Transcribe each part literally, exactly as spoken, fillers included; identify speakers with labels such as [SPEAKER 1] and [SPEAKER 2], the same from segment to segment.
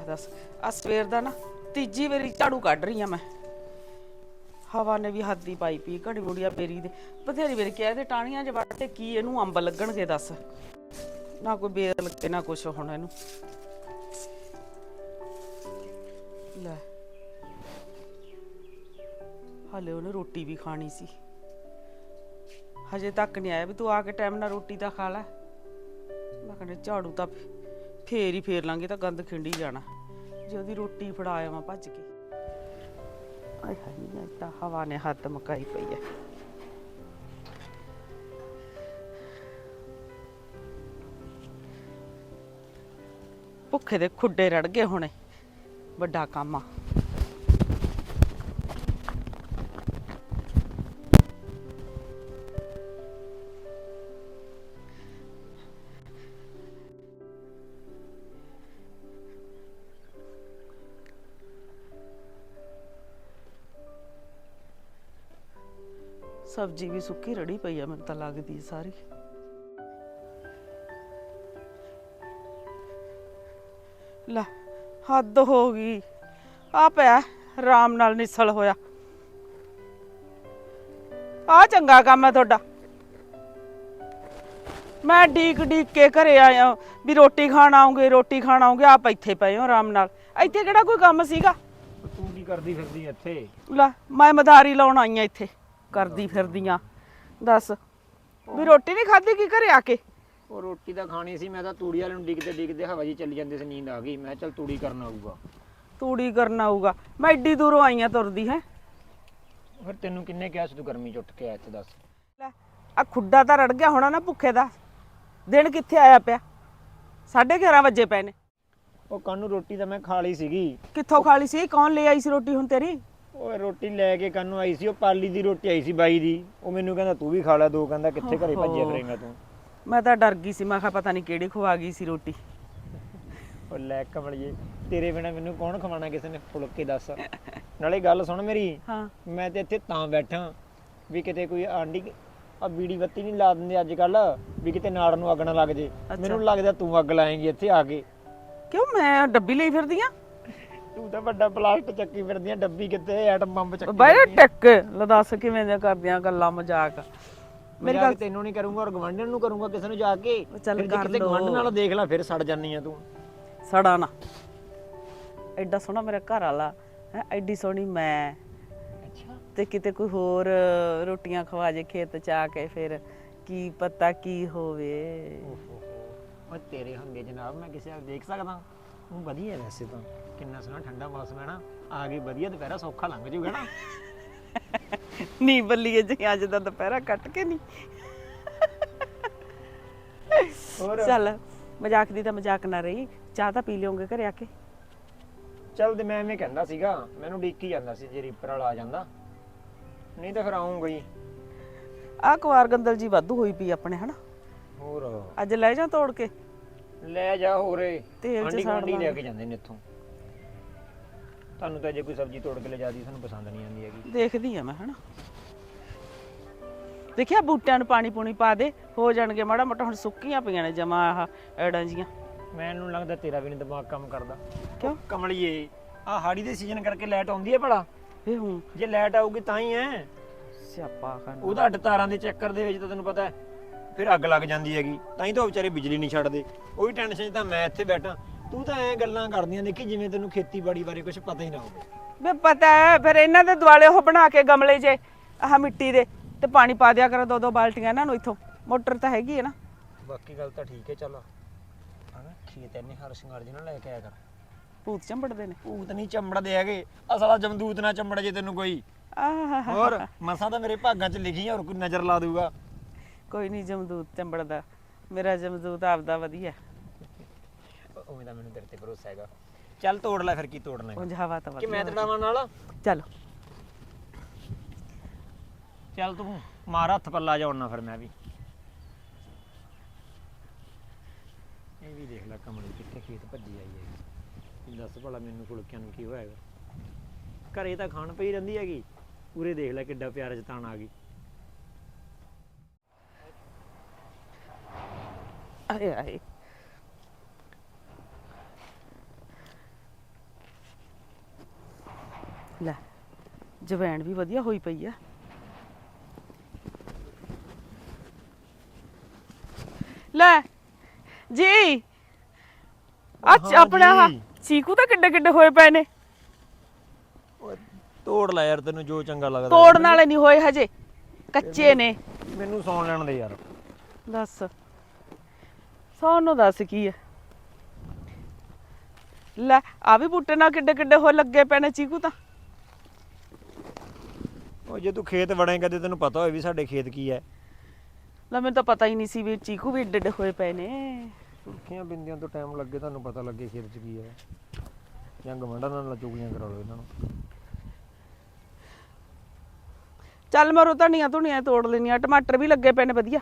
[SPEAKER 1] दस आ सवेर दा ना तीजी वारी झाड़ू कढ़ रही हाँ मैं। हवा ने भी हद ही पाई पी घड़ी मुड़िया बेरी दे बथेरी वारी कह दे टाणियां च वड़ते की इनू अंब लगणगे दस ना कोई बेर लगे ना कुछ हुण इनू लै हले उन्हें रोटी भी खानी सी हजे तक नहीं आया भी तू आके टाइम ना रोटी तो खा लै। मैं कहने झाड़ू तो फेर ही फेर लांगे तो गंद खिंडी जाना जे ओदी रोटी फड़ाया मैं भज के। आय हाय इतना हवा ने हद मकाई पई है। भुखे दे खुड्डे रड़ गए होने बड़ा काम आ। सब्जी भी सुक्की रड़ी पई है मैनूं तां लगदी सारी। लै हद हो गई आ पिया आराम नाल निसल होया आ चंगा काम है तुहाडा। मैं डीक डीक के घरे आया भी रोटी खाण आऊंगे रोटी खाण आऊंगे आप इत्थे पए हो आराम नाल इत्थे किहड़ा कोई काम सीगा।
[SPEAKER 2] तू की करदी फिरदी इत्थे?
[SPEAKER 1] लै मैं मदारी लाउण आई आ इत्थे करदी फिरदियां दस भी रोटी नहीं खाधी की घरे आके?
[SPEAKER 2] ਉਹ ਰੋਟੀ ਤਾਂ ਖਾਣੀ ਸੀ ਮੈਂ ਤਾਂ ਤੂੜੀ ਵਾਲੇ ਨੂੰ ਡਿੱਗਦੇ ਡਿੱਗਦੇ ਹਵਾ ਜੀ ਚੱਲੀ ਜਾਂਦੀ ਸੀ ਨੀਂਦ ਆ ਗਈ ਮੈਂ ਚੱਲ ਤੂੜੀ ਕਰਨ ਆਊਗਾ।
[SPEAKER 1] ਤੂੜੀ ਕਰਨ ਆਊਗਾ ਮੈਂ ਏਡੀ ਦੂਰੋਂ ਆਈ ਆ ਤੁਰਦੀ ਹੈ।
[SPEAKER 2] ਫਿਰ ਤੈਨੂੰ ਕਿੰਨੇ ਕਿਹਾ ਸੀ ਤੂੰ ਗਰਮੀ ਚ ਉੱਠ ਕੇ ਆਇਆ ਇੱਥੇ ਦੱਸ?
[SPEAKER 1] ਲੈ ਆ ਖੁੱਡਾ ਤਾਂ ਰੜ ਗਿਆ ਹੋਣਾ ਨਾ ਭੁੱਖੇ ਦਾ ਦਿਨ ਕਿੱਥੇ ਆਇਆ ਪਿਆ ਸਾਢੇ ਗਿਆਰਾਂ ਵਜੇ ਪਏ ਨੇ।
[SPEAKER 2] ਉਹ ਕਾਨੂੰ ਰੋਟੀ ਤਾਂ ਮੈਂ ਖਾ ਲਈ ਸੀਗੀ।
[SPEAKER 1] ਕਿੱਥੋਂ ਖਾ ਲਈ ਸੀ ਕੌਣ ਲੈ ਆਈ ਸੀ ਰੋਟੀ ਹੁਣ ਤੇਰੀ?
[SPEAKER 2] ਓਏ ਰੋਟੀ ਲੈ ਕੇ ਕਾਨੂੰ ਆਈ ਸੀ ਉਹ ਪਾਲੀ ਦੀ ਰੋਟੀ ਆਈ ਸੀ ਬਾਈ ਦੀ ਉਹ ਮੈਨੂੰ ਕਹਿੰਦਾ ਤੂੰ ਵੀ ਖਾ ਲੈ ਦੋ ਕਹਿੰਦਾ ਕਿੱਥੇ ਘਰੇ ਭੱਜਿਆ ਫਿਰੇਂਗਾ ਤੂੰ।
[SPEAKER 1] ਮੈਂ ਤਾਂ ਡਰ ਗਈ ਸੀ ਮੈਂ ਕਿਹਾ ਪਤਾ ਨਹੀਂ ਕਿਹੜੀ ਖਵਾ ਗਈ ਸੀ ਰੋਟੀ।
[SPEAKER 2] ਉਹ ਲੈ ਕਮਲੀਏ ਤੇਰੇ ਬਿਨਾ ਮੈਨੂੰ ਕੌਣ ਖਵਾਣਾ ਕਿਸੇ ਨੇ ਫੁਲਕੇ ਦੱਸ। ਨਾਲੇ ਗੱਲ ਸੁਣ ਮੇਰੀ
[SPEAKER 1] ਹਾਂ
[SPEAKER 2] ਮੈਂ ਤੇ ਇੱਥੇ ਤਾਂ ਬੈਠਾ ਵੀ ਕਿਤੇ ਕੋਈ ਆਂਢੀ ਆ ਬੀੜੀ ਬੱਤੀ ਨਹੀਂ ਲਾ ਦਿੰਦੇ ਅੱਜ ਕੱਲ ਵੀ ਕਿਤੇ ਨਾੜ ਨੂੰ ਅੱਗ ਨਾ ਲੱਗ ਜੇ। ਮੈਨੂੰ ਲੱਗਦਾ ਤੂੰ ਅੱਗ ਲਾਏਂਗੀ ਇੱਥੇ ਆ ਕੇ।
[SPEAKER 1] ਕਿਉਂ ਮੈਂ ਡੱਬੀ ਲਈ ਫਿਰਦੀ ਆ?
[SPEAKER 2] ਤੂੰ ਤਾਂ ਵੱਡਾ ਪਲਾਸਟਿਕ ਚੱਕੀ ਫਿਰਦੀ ਆ ਡੱਬੀ ਕਿੱਥੇ ਐਟਮ ਬੰਬ ਚੱਕੀ
[SPEAKER 1] ਬਾਈ ਟਿੱਕ ਲੈ ਦੱਸ ਕਿਵੇਂ ਦੀਆਂ ਕਰਦੀਆਂ ਗੱਲਾਂ ਮਜ਼ਾਕ।
[SPEAKER 2] ਮੇਰੀ ਗੱਲ ਤੈਨੂੰ ਨਹੀਂ ਕਰੂੰਗਾ ਔਰ ਗਵਾਂਢਣ ਨੂੰ ਕਰੂੰਗਾ ਕਿਸੇ ਨੂੰ ਜਾ ਕੇ।
[SPEAKER 1] ਚੱਲ ਕਰ
[SPEAKER 2] ਕਿਤੇ ਗਵਾਂਢ ਨਾਲ ਦੇਖ ਲੈ ਫਿਰ ਸੜ ਜਾਨੀ ਆ ਤੂੰ।
[SPEAKER 1] ਸੜਾ ਨਾ ਐਡਾ ਸੋਹਣਾ ਮੇਰਾ ਘਰ ਵਾਲਾ ਹੈ ਐਡੀ ਸੋਹਣੀ ਮੈਂ
[SPEAKER 2] ਅੱਛਾ
[SPEAKER 1] ਤੇ ਕਿਤੇ ਕੋਈ ਹੋਰ ਰੋਟੀਆਂ ਖਵਾ ਜੇ ਖੇਤ ਚ ਆ ਕੇ ਫਿਰ ਕੀ ਪਤਾ ਕੀ ਹੋਵੇ।
[SPEAKER 2] ਓਹੋ ਓਏ ਤੇਰੇ ਹੰਗੇ ਜਨਾਬ ਮੈਂ ਕਿਸੇ ਨਾਲ ਦੇਖ ਸਕਦਾ? ਉਹ ਵਧੀਆ ਵੈਸੇ ਤਾਂ ਕਿੰਨਾ ਸੋਹਣਾ ਠੰਡਾ ਮੌਸਮ ਹੈ ਨਾ ਆ ਗਈ ਵਧੀਆ ਦੁਪਹਿਰਾ ਸੌਖਾ ਲੰਘ ਜੂਗਾ ਨਾ।
[SPEAKER 1] ਨੀ ਬੱਲੀਏ ਜੀ ਅੱਜ ਦਾ ਦੁਪਹਿਰਾ ਕੱਟ ਕੇ ਨਹੀਂ।
[SPEAKER 2] ਹੋਰ
[SPEAKER 1] ਚੱਲ ਮਜ਼ਾਕ ਦੀ ਤਾਂ ਮਜ਼ਾਕ ਨਾ ਰਹੀ ਚਾਹ ਤਾਂ ਪੀ ਲਿਓਗੇ ਘਰੇ ਆ ਕੇ?
[SPEAKER 2] ਚੱਲ ਤੇ ਮੈਂ ਐਵੇਂ ਕਹਿੰਦਾ ਸੀਗਾ ਮੈਨੂੰ ਡੀਕੀ ਜਾਂਦਾ ਸੀ ਜੇ ਰੀਪਰ ਵਾਲਾ ਆ ਜਾਂਦਾ ਨਹੀਂ ਤਾਂ ਫਿਰ ਆਉਂਗਾ ਹੀ।
[SPEAKER 1] ਆਹ ਕੁਵਾਰ ਗੰਦਲ ਜੀ ਵਾਧੂ ਹੋਈ ਪਈ ਆਪਣੇ ਹਨਾ।
[SPEAKER 2] ਹੋਰ
[SPEAKER 1] ਅੱਜ ਲੈ ਜਾ ਤੋੜ ਕੇ
[SPEAKER 2] ਲੈ ਜਾ ਹੋਰੇ
[SPEAKER 1] ਤੇਲ ਚ
[SPEAKER 2] ਸਾੜ ਲੈ ਕੇ ਜਾਂਦੇ ਨੇ ਇੱਥੋਂ। ਤੁਹਾਨੂੰ ਤਾਂ ਜੇ ਕੋਈ ਸਬਜ਼ੀ ਤੋੜ ਕੇ ਲੈ ਜਾਦੀ ਤੁਹਾਨੂੰ ਪਸੰਦ ਨਹੀਂ ਆਉਂਦੀ ਹੈਗੀ।
[SPEAKER 1] ਦੇਖਦੀ ਆ ਮੈਂ ਹਨਾ ਦੇਖਿਆ ਬੂਟਿਆਂ ਨੂੰ ਪਾਣੀ ਪੂਣੀ ਪਾ ਦੇ ਹੋ ਜਾਣਗੇ ਮਾੜਾ ਮੋਟਾ ਹੁਣ ਸੁੱਕੀਆਂ ਪਈਆਂ ਨੇ ਜਮਾ ਆਹ ਐੜਾਂ ਜੀਆਂ।
[SPEAKER 2] ਮੈਨੂੰ ਲੱਗਦਾ ਤੇਰਾ ਵੀ ਨਹੀਂ ਦਿਮਾਗ ਕੰਮ ਕਰਦਾ।
[SPEAKER 1] ਕਿਉਂ
[SPEAKER 2] ਕਮਲੀਏ ਆ ਹਾੜੀ ਦੇ ਸੀਜ਼ਨ ਕਰਕੇ ਲਾਈਟ ਆਉਂਦੀ ਹੈ ਭਲਾ?
[SPEAKER 1] ਵੇ ਹੂੰ
[SPEAKER 2] ਜੇ ਲਾਈਟ ਆਊਗੀ ਤਾਂ ਹੀ ਹੈ
[SPEAKER 1] ਸਿਆਪਾ ਕਰਨਾ।
[SPEAKER 2] ਉਹਦਾ ਅੱਡ ਤਾਰਾਂ ਦੇ ਚੱਕਰ ਦੇ ਵਿੱਚ ਤਾਂ ਤੈਨੂੰ ਪਤਾ ਫਿਰ ਅੱਗ ਲੱਗ ਜਾਂਦੀ ਹੈਗੀ ਤਾਂ ਹੀ ਤਾਂ ਵਿਚਾਰੇ ਬਿਜਲੀ ਨਹੀਂ ਛੱਡਦੇ। ਉਹੀ ਟੈਨਸ਼ਨ 'ਚ ਤਾਂ ਮੈਂ ਇੱਥੇ ਬੈਠਾ ਤੂੰ ਤਾਂ ਐਂ ਗੱਲਾਂ ਕਰਦੀਆਂ ਦੇਖੀ ਜਿਵੇਂ ਤੈਨੂੰ ਖੇਤੀਬਾੜੀ ਬਾਰੇ ਕੁਝ ਪਤਾ ਹੀ ਨਾ ਹੋਵੇ।
[SPEAKER 1] ਵੇ ਪਤਾ ਹੈ ਫਿਰ ਇਹਨਾਂ ਦੇ ਦੁਆਲੇ ਉਹ ਬਣਾ ਕੇ ਗਮਲੇ ਜੇ ਆਹ ਮਿੱਟੀ ਦੇ ਤੇ ਪਾਣੀ ਪਾ ਦਿਆ ਕਰੋ ਦੋ ਦੋ ਬਾਲਟੀਆਂ ਇਹਨਾਂ ਨੂੰ ਇੱਥੋਂ ਮੋਟਰ ਤਾਂ ਹੈਗੀ ਹੈ ਨਾ।
[SPEAKER 2] ਬਾਕੀ ਗੱਲ ਤਾਂ ਠੀਕ ਹੈ ਚੱਲ ਹਨਾ ਖੇਤ ਇੰਨੇ ਹਰ ਸ਼ਿੰਗਾਰ ਜੀ ਨਾਲ ਲੈ ਕੇ ਆਇਆ ਕਰ।
[SPEAKER 1] ਭੂਤ ਚੰਬੜਦੇ ਨੇ?
[SPEAKER 2] ਭੂਤ ਨਹੀਂ ਚੰਬੜਦੇ ਹੈਗੇ ਅਸਲਾ ਜਮਦੂਤ ਨਾ ਚੰਬੜ ਜੇ ਤੈਨੂੰ ਕੋਈ।
[SPEAKER 1] ਆਹ
[SPEAKER 2] ਹੋਰ ਮਸਾਂ ਤਾਂ ਮੇਰੇ ਭਾਗਾਂ 'ਚ ਲਿਖੀ ਹੋਰ ਕੋਈ ਨਜ਼ਰ ਲਾ ਦੂਗਾ।
[SPEAKER 1] ਕੋਈ ਨਹੀਂ ਜਮਦੂਤ ਚੰਬੜਦਾ ਮੇਰਾ ਜਮਦੂਤ ਆਪਦਾ ਵਧੀਆ।
[SPEAKER 2] ਉਵੇਂ ਤਾਂ ਮੈਨੂੰ ਤੇਰੇ ਤੇ ਭਰੋਸਾ ਹੈਗਾ। ਚੱਲ ਤੋੜ ਲੈ ਫਿਰ ਕੀ ਤੋੜਨਾ ਹੈ।
[SPEAKER 1] ਉਂਝ ਹਵਾ ਤਾਂ
[SPEAKER 2] ਕਿ ਮੈਂ ਤੜਾਵਾਂ ਨਾਲ?
[SPEAKER 1] ਚੱਲ
[SPEAKER 2] ਚੱਲ ਤੂੰ ਮਾਰ ਹੱਥ ਪੱਲਾ ਜਾਉਣਾ ਫਿਰ ਮੈਂ ਵੀ। ਇਹ ਵੀ ਦੇਖ ਲੈ ਕਮਲੀ ਕਿੱਥੇ ਖੇਤ ਭੱਜੀ ਆਈ ਹੈਗੀ। ਦੱਸ ਭਲਾ ਮੈਨੂੰ ਫੁਲਕਿਆਂ ਨੂੰ ਕੀ ਹੋਇਆ ਹੈਗਾ? ਘਰੇ ਤਾਂ ਖਾਣ ਪਈ ਰਹਿੰਦੀ ਹੈਗੀ ਪੂਰੇ ਦੇਖ ਲੈ ਕਿੱਡਾ ਪਿਆਰ ਜਤਾਣ ਆ ਗਈ।
[SPEAKER 1] ਆਏ ਆਏ ਲੈ ਜਵੈਣ ਵੀ ਵਧੀਆ ਹੋਈ ਪਈ ਆ। ਲੈ ਜੀ ਅੱਜ ਆਪਣਾ ਆਹ ਚੀਕੂ ਤਾਂ ਕਿੱਡੇ ਕਿੱਡੇ ਹੋਏ ਪਏ ਨੇ।
[SPEAKER 2] ਓਏ ਤੋੜ ਲੈ ਯਾਰ, ਤੈਨੂੰ ਜੋ ਚੰਗਾ ਲੱਗਦਾ।
[SPEAKER 1] ਤੋੜਨ ਵਾਲੇ ਨਹੀਂ ਹੋਏ ਹਜੇ, ਕੱਚੇ ਨੇ।
[SPEAKER 2] ਮੈਨੂੰ ਸੌਣ ਲੈਣ ਦੇ ਯਾਰ।
[SPEAKER 1] ਦੱਸ ਸੌਣ ਨੂੰ ਦੱਸ ਕੀ ਹੈ। ਲੈ ਆ ਵੀ ਬੂਟੇ ਨਾਲ ਕਿੱਡੇ ਕਿੱਡੇ ਹੋ ਲੱਗੇ ਪਏ ਨੇ ਚੀਕੂ ਤਾਂ।
[SPEAKER 2] ਉਹ ਜੇ ਤੂੰ ਖੇਤ ਵੜੇਂਗਾ ਤੇ ਤੈਨੂੰ ਪਤਾ ਹੋਏ ਵੀ ਸਾਡੇ ਖੇਤ ਕੀ ਹੈ।
[SPEAKER 1] ਲੈ ਮੈਨੂੰ ਤਾਂ ਪਤਾ ਹੀ ਨਹੀਂ ਸੀ ਵੀ ਚੀਕੂ ਵੀ ਏਡੇ ਏਡੇ ਹੋਏ ਪਏ ਨੇ।
[SPEAKER 2] ਸੁਰਖੀਆਂ ਬਿੰਦੀਆਂ ਤੋਂ ਟਾਈਮ ਲੱਗੇ, ਤੁਹਾਨੂੰ ਪਤਾ ਲੱਗੇ ਖੇਤ 'ਚ ਕੀ ਹੈ। ਜਾਂ ਗਵਾਂਢਾਂ ਨਾਲ ਚੁਗਲੀਆਂ ਕਰਾ ਲਓ ਇਹਨਾਂ ਨੂੰ।
[SPEAKER 1] ਚੱਲ ਮਰੋ ਧਨੀਆ ਧੁਨੀਆਂ ਤੋੜ ਲੈਣੀਆਂ, ਟਮਾਟਰ ਵੀ ਲੱਗੇ ਪਏ ਨੇ ਵਧੀਆ।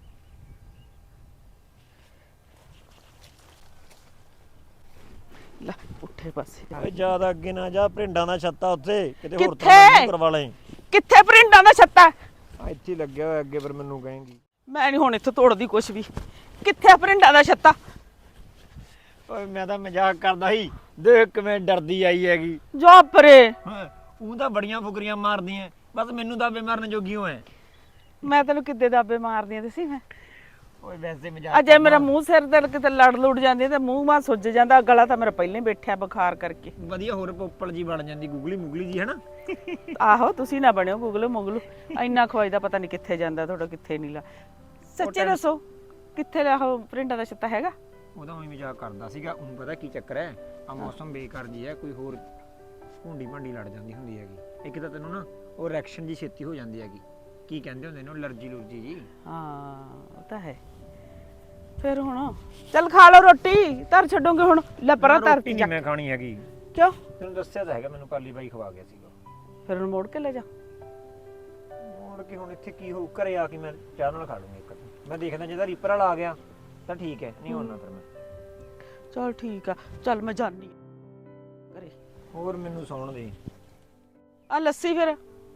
[SPEAKER 1] ਲੈ ਉੱਠੇ ਪਾਸੇ
[SPEAKER 2] ਓਏ ਜ਼ਿਆਦਾ ਅੱਗੇ ਨਾ ਜਾ, ਭਰਿੰਡਾਂ ਦਾ ਛੱਤਾ ਉੱਥੇ ਕਿਤੇ ਹੋਰ
[SPEAKER 1] ਕਿੱਥੇ?
[SPEAKER 2] ਤਰ੍ਹਾਂ ਦਾ ਕਰਵਾ ਲੈ।
[SPEAKER 1] ਕਿੱਥੇ ਭਰਿੰਡਾਂ ਦਾ ਛੱਤਾ?
[SPEAKER 2] ਆ ਇੱਥੇ ਹੀ ਲੱਗਿਆ ਹੋਇਆ ਅੱਗੇ, ਫਿਰ ਮੈਨੂੰ ਕਹੇਂਗੀ।
[SPEAKER 1] ਮੈਂ ਨਹੀਂ ਹੁਣ ਇੱਥੋਂ ਤੋੜਦੀ ਕੁਛ ਵੀ। ਕਿੱਥੇ ਭਰਿੰਡਾਂ ਦਾ ਛੱਤਾ?
[SPEAKER 2] ਓਏ ਮੈਂ ਤਾਂ ਮਜ਼ਾਕ ਕਰਦਾ ਸੀ, ਦੇਖ ਕਿਵੇਂ ਡਰਦੀ ਆਈ ਹੈਗੀ।
[SPEAKER 1] ਜਾ ਪਰੇ।
[SPEAKER 2] ਉਹ ਤਾਂ ਬੜੀਆਂ ਫੁਕਰੀਆਂ ਮਾਰਦੀਆਂ, ਬਸ ਮੈਨੂੰ ਦਾਬੇ ਮਾਰਨ ਜੋਗੀ ਹੋ ਐ।
[SPEAKER 1] ਮੈਂ ਤੈਨੂੰ ਕਿੱਦੇ ਦਾਬੇ ਮਾਰਦੀਆਂ ਤੇ ਸੀ ਮੈਂ।
[SPEAKER 2] ਓਏ ਵੈਸੇ ਮਜ਼ਾਕ
[SPEAKER 1] ਅਜੇ ਮੇਰਾ ਮੂੰਹ ਸਿਰ ਤੇ ਕਿਤੇ ਲੜ ਲੁੜ ਜਾਂਦੀ ਤੇ ਮੂੰਹ ਮਾਂ ਸੁੱਜ ਜਾਂਦਾ, ਗਲਾ ਤਾਂ ਮੇਰਾ ਪਹਿਲਾਂ ਹੀ ਬੈਠਿਆ ਬੁਖਾਰ ਕਰਕੇ।
[SPEAKER 2] ਵਧੀਆ ਹੋਰ ਪੋਪਲ ਜੀ ਬਣ ਜਾਂਦੀ, ਗੁਗਲੀ ਮੁਗਲੀ ਜੀ, ਹਨਾ।
[SPEAKER 1] ਆਹੋ ਤੁਸੀਂ ਨਾ ਬਣਿਓ ਗੁਗਲੂ ਮੁਗਲੂ, ਇੰਨਾ ਖਵਾਈ ਦਾ ਪਤਾ ਨਹੀਂ ਕਿੱਥੇ ਜਾਂਦਾ ਤੁਹਾਡਾ, ਕਿੱਥੇ ਨਹੀਂ ਲਾ। ਸੱਚੇ ਦੱਸੋ ਕਿੱਥੇ ਲਿਆ ਉਹ ਪ੍ਰਿੰਟਾਂ ਦਾ ਛੱਤਾ ਹੈਗਾ?
[SPEAKER 2] ਉਹਦਾ ਉਹੀ ਮਜ਼ਾਕ ਕਰਦਾ ਸੀਗਾ। ਉਹਨੂੰ ਪਤਾ ਕੀ ਚੱਕਰ ਹੈ, ਆ ਮੌਸਮ ਬੇਕਾਰ ਜੀ ਹੈ, ਕੋਈ ਹੋਰ ਭੁੰਡੀ ਭੰਡੀ ਲੜ ਜਾਂਦੀ ਹੁੰਦੀ ਹੈਗੀ। ਇੱਕ ਤਾਂ ਤੈਨੂੰ ਨਾ ਉਹ ਰਿਐਕਸ਼ਨ ਜੀ ਛੇਤੀ ਹੋ ਜਾਂਦੀ ਹੈਗੀ, ਕੀ ਕਹਿੰਦੇ ਹੁੰਦੇ ਨੇ, ਅਲਰਜੀ ਲੁਰਜੀ ਜੀ।
[SPEAKER 1] ਹਾਂ ਉਹ ਤਾਂ ਹੈ। ਫਿਰ ਹੁਣ ਚੱਲ ਖਾ ਲਓ ਰੋਟੀ, ਧਰ ਛੱਡੋਗੇ ਹੁਣ। ਲੈ ਪਰਾਂ ਧਰ
[SPEAKER 2] ਰੋਟੀ ਨਹੀਂ ਮੈਂ ਖਾਣੀ ਹੈਗੀ।
[SPEAKER 1] ਕਿਉਂ?
[SPEAKER 2] ਤੈਨੂੰ ਦੱਸਿਆ ਤਾਂ ਹੈਗਾ, ਮੈਨੂੰ ਪਾਲੀ ਬਾਈ ਖਵਾ ਗਿਆ ਸੀਗਾ।
[SPEAKER 1] ਫਿਰ ਹੁਣ ਮੋੜ ਕੇ ਲੈ ਜਾ।
[SPEAKER 2] ਮੋੜ ਕੇ ਹੁਣ ਇੱਥੇ ਕੀ ਹੋਊ, ਘਰੇ ਆ ਕੇ ਮੈਂ ਚਾਹ ਨਾਲ ਖਾ ਲੂੰਗੀ ਇੱਕ। ਮੈਂ ਦੇਖਦਾ ਜਿਹਦਾ ਰੀਪਰ ਵਾਲਾ ਆ ਗਿਆ ਤਾਂ ਠੀਕ ਹੈ, ਨਹੀਂ ਹੋਣਾ ਫਿਰ ਮੈਂ।
[SPEAKER 1] ਚਲ ਠੀਕ ਆ, ਚੱਲ ਮੈਂ ਜਾਨੀ ਘਰੇ।
[SPEAKER 2] ਹੋਰ ਮੈਨੂੰ ਸੌਣ ਦੇ।
[SPEAKER 1] ਆ ਲੱਸੀ, ਫਿਰ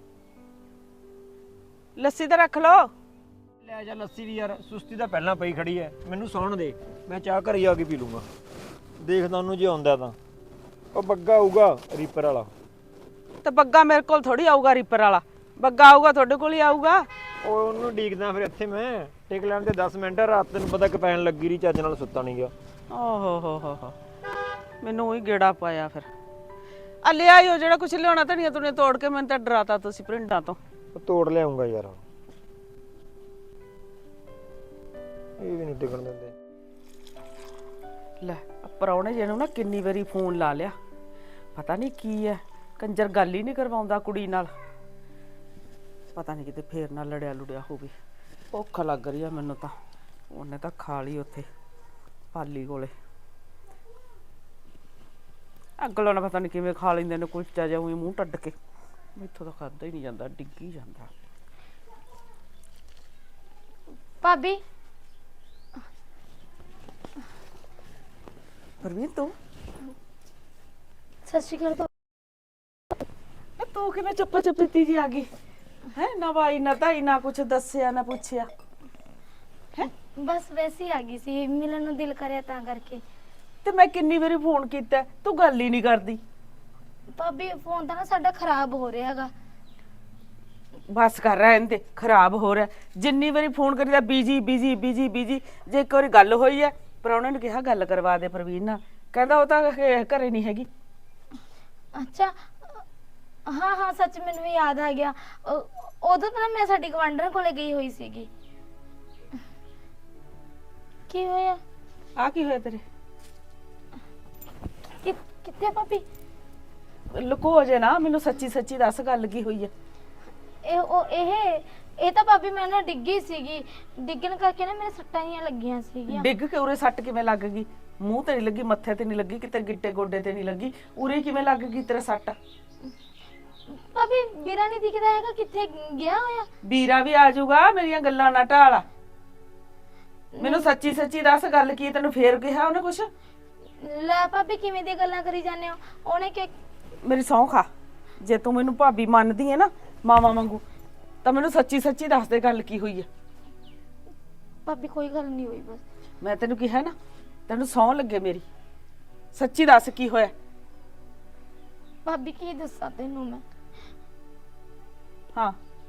[SPEAKER 1] ਲੱਸੀ ਤਾਂ ਰੱਖ ਲਓ।
[SPEAKER 2] ਲੈ ਜਾ ਲੱਸੀ ਵੀ ਯਾਰ, ਸੁਸਤੀ ਤਾਂ ਪਹਿਲਾਂ ਪਈ ਖੜੀ ਐ। ਮੈਨੂੰ ਸੌਣ ਦੇ, ਮੈਂ ਚਾਹ ਘਰੇ ਆ ਕੇ ਪੀ ਲੂੰਗਾ। ਦੇਖਦਾ ਉਹਨੂੰ ਜੇ ਆਉਂਦਾ ਤਾਂ। ਉਹ ਬੱਗਾ ਆਊਗਾ ਰੀਪਰ ਵਾਲਾ।
[SPEAKER 1] ਤੇ ਬੱਗਾ ਮੇਰੇ ਕੋਲ ਥੋੜੀ ਆਊਗਾ ਰੀਪਰ ਵਾਲਾ, ਬੱਗਾ ਆਊਗਾ ਤੁਹਾਡੇ ਕੋਲ ਹੀ ਆਊਗਾ।
[SPEAKER 2] ਉਹ ਉਹਨੂੰ ਡੀਕਦਾ ਫਿਰ ਇੱਥੇ ਮੈਂ ਟਿਕ ਲੈਣ ਤੇ ਦਸ ਮਿੰਟ। ਰਾਤ ਤੈਨੂੰ ਪਤਾ ਕਿ ਪੈਣ ਲੱਗੀ ਰਹੀ, ਚੱਜ ਨਾਲ ਸੁੱਤਾ ਨਹੀਂ ਗਿਆ।
[SPEAKER 1] ਓਹੋ ਹੋ ਹੋ ਹੋ ਮੈਨੂੰ ਉਹੀ ਗੇੜਾ ਪਾਇਆ ਫਿਰ। ਆ ਲੈ ਆਇਓ ਜਿਹੜਾ ਕੁਛ ਲਿਆਉਣਾ, ਧਨੀਆ ਧੁਨੀਆ ਤੋੜ ਕੇ। ਮੈਨੂੰ ਤਾਂ ਡਰਾਤਾ ਤੁਸੀਂ ਪ੍ਰਿੰਡਾਂ ਤੋਂ।
[SPEAKER 2] ਉਹ ਤੋੜ ਲਿਆਉਂਗਾ ਯਾਰ, ਇਹ ਵੀ ਨਹੀਂ ਟਿਕਣ ਦਿੰਦੇ।
[SPEAKER 1] ਲੈ ਪਰੌਣੇ ਜਿਹਨੂੰ ਨਾ ਕਿੰਨੀ ਵਾਰੀ ਫੋਨ ਲਾ ਲਿਆ, ਪਤਾ ਨਹੀਂ ਕੀ ਹੈ, ਕੰਜਰ ਗੱਲ ਹੀ ਨਹੀਂ ਕਰਵਾਉਂਦਾ ਕੁੜੀ ਨਾਲ। ਪਤਾ ਨਹੀਂ ਕਿਤੇ ਫੇਰ ਨਾ ਲੜਿਆ ਲੁੜਿਆ ਹੋਵੇ। ਭੁੱਖ ਲੱਗ ਰਹੀ ਆ ਮੈਨੂੰ ਤਾਂ। ਉਹਨੇ ਤਾਂ ਖਾ ਲਈ ਉੱਥੇ ਪਾਲੀ ਕੋਲੇ। ਅਗਲੋਂ ਨਾ ਪਤਾ ਨਹੀਂ ਕਿਵੇਂ ਖਾ ਲੈਂਦੇ ਨੇ ਕੁਲਚਾ ਜਿਹਾ ਮੂੰਹ ਟੱਡ ਕੇ। ਮੈਥੋਂ ਤਾਂ ਖਾਦਾ ਹੀ ਨਹੀਂ ਜਾਂਦਾ, ਡਿੱਗੀ ਜਾਂਦਾ।
[SPEAKER 3] ਭਾਬੀ
[SPEAKER 1] ਪਰਵੀਨ ਤੂੰ
[SPEAKER 3] ਸਤਿ ਸ਼੍ਰੀ ਅਕਾਲ।
[SPEAKER 1] ਇਹ ਤੂੰ ਕਿਵੇਂ ਚੁੱਪ ਚੁੱਪੀਤੀ ਜੀ ਆ ਗਈ ਹੈ? ਨਾ ਬਾਈ ਨਾ ਤਾਈ ਨਾ ਕੁਛ ਦੱਸਿਆ ਨਾ ਪੁੱਛਿਆ ਹੈ?
[SPEAKER 3] ਬਸ ਵੈਸੇ ਹੀ ਆ ਗਈ ਸੀ, ਮਿਲਣ ਨੂੰ ਦਿਲ ਕਰਿਆ ਤਾਂ ਕਰਕੇ।
[SPEAKER 1] ਤੇ ਮੈਂ ਕਿੰਨੀ ਵਾਰੀ ਫੋਨ ਕੀਤਾ, ਤੂੰ ਗੱਲ ਹੀ ਨਹੀਂ ਕਰਦੀ।
[SPEAKER 3] ਭਾਬੀ ਫੋਨ ਤਾਂ ਨਾ ਸਾਡਾ ਖਰਾਬ ਹੋ ਰਿਹਾ ਹੈਗਾ।
[SPEAKER 1] ਬਸ ਕਰ ਰਹਿਣ ਦੇ, ਖਰਾਬ ਹੋ ਰਿਹਾ। ਜਿੰਨੀ ਵਾਰੀ ਫੋਨ ਕਰੀਦਾ ਬੀਜੀ ਬੀਜੀ ਬੀਜੀ ਬੀਜੀ। ਜੇ ਇੱਕ ਵਾਰੀ ਗੱਲ ਹੋਈ ਹੈ, ਪ੍ਰਾਹੁਣੇ ਨੂੰ ਕਿਹਾ ਗੱਲ ਕਰਵਾ ਦੇ ਪ੍ਰਵੀਨ ਨਾਲ, ਕਹਿੰਦਾ ਉਹ ਤਾਂ ਘਰੇ ਨਹੀਂ ਹੈਗੀ।
[SPEAKER 3] ਅੱਛਾ ਹਾਂ ਹਾਂ ਸੱਚ, ਮੈਨੂੰ ਯਾਦ ਆ ਗਿਆ। ਉਹ- ਉਦੋਂ ਤਾਂ ਨਾ ਮੈਂ ਸਾਡੀ ਗਵਾਂਢਣ ਕੋਲੇ ਗਈ ਹੋਈ ਸੀਗੀ। ਕੀ ਹੋਇਆ?
[SPEAKER 1] ਆ ਕੀ ਹੋਇਆ ਤੇਰੇ?
[SPEAKER 3] ਕਿ- ਕਿੱਥੇ ਭਾਬੀ?
[SPEAKER 1] ਲੁਕੋ ਜੇ ਨਾ, ਮੈਨੂੰ ਸੱਚੀ ਸੱਚੀ ਦੱਸ ਗੱਲ ਕੀ ਹੋਈ ਹੈ।
[SPEAKER 3] ਇਹ ਉਹ ਇਹ ਇਹ ਤਾਂ ਭਾਬੀ ਮੈਂ ਨਾ ਡਿੱਗੀ ਸੀਗੀ, ਡਿੱਗਣ ਕਰਕੇ ਨਾ ਮੇਰੇ ਸੱਟਾਂ ਜਿਹੀਆਂ ਲੱਗੀਆਂ ਸੀਗੀਆਂ।
[SPEAKER 1] ਡਿੱਗ ਕੇ ਉਰੇ ਸੱਟ ਕਿਵੇਂ ਲੱਗ ਗਈ? ਮੂੰਹ ਤੇ ਨਹੀਂ ਲੱਗੀ, ਮੱਥੇ ਤੇ ਨਹੀਂ ਲੱਗੀ, ਕਿਤੇ ਗਿੱਟੇ ਗੋਡੇ ਤੇ ਨਹੀਂ ਲੱਗੀ, ਉਰੇ ਕਿਵੇਂ ਲੱਗ ਗਈ ਤੇਰੇ ਸੱਟ?
[SPEAKER 3] ਭਾਬੀ ਵੀਰਾ ਨਹੀਂ ਦਿਖਦਾ ਹੈਗਾ, ਕਿੱਥੇ ਗਿਆ ਹੋਇਆ?
[SPEAKER 1] ਵੀਰਾ ਵੀ ਆ ਜਾਊਗਾ, ਮੇਰੀਆਂ ਗੱਲਾਂ ਨਾ ਢਾਲ। ਮੈਨੂੰ ਸੱਚੀ ਸੱਚੀ ਦੱਸ ਗੱਲ ਕੀ, ਤੈਨੂੰ ਫੇਰ ਕਿਹਾ ਉਹਨੇ ਕੁਛ?
[SPEAKER 3] ਲੈ ਭਾਬੀ ਕਿਵੇਂ ਦੀਆਂ ਗੱਲਾਂ ਕਰੀ ਜਾਂਦੇ ਹੋ? ਉਹਨੇ ਕਿ
[SPEAKER 1] ਮੇਰੀ ਸਹੁੰ ਖਾ, ਜੇ ਤੂੰ ਮੈਨੂੰ ਭਾਬੀ ਮੰਨਦੀ ਹੈ ਨਾ ਮਾਵਾ ਵਾਂਗੂ, ਤਾਂ ਮੈਨੂੰ ਸੱਚੀ ਸੱਚੀ ਦੱਸ ਦੇ ਗੱਲ ਕੀ ਹੋਈ ਹੈ।
[SPEAKER 3] ਭਾਬੀ ਕੋਈ ਗੱਲ ਨਹੀਂ ਹੋਈ, ਬਸ
[SPEAKER 1] ਮੈਂ ਤੈਨੂੰ ਕਿਹਾ ਨਾ, ਤੈਨੂੰ ਸਹੁੰ ਲੱਗੇ ਮੇਰੀ, ਸੱਚੀ ਦੱਸ ਕੀ ਹੋਇਆ।
[SPEAKER 3] ਭਾਬੀ ਕੀ ਦੱਸਾਂ ਤੈਨੂੰ ਮੈਂ
[SPEAKER 1] ਹਾਂ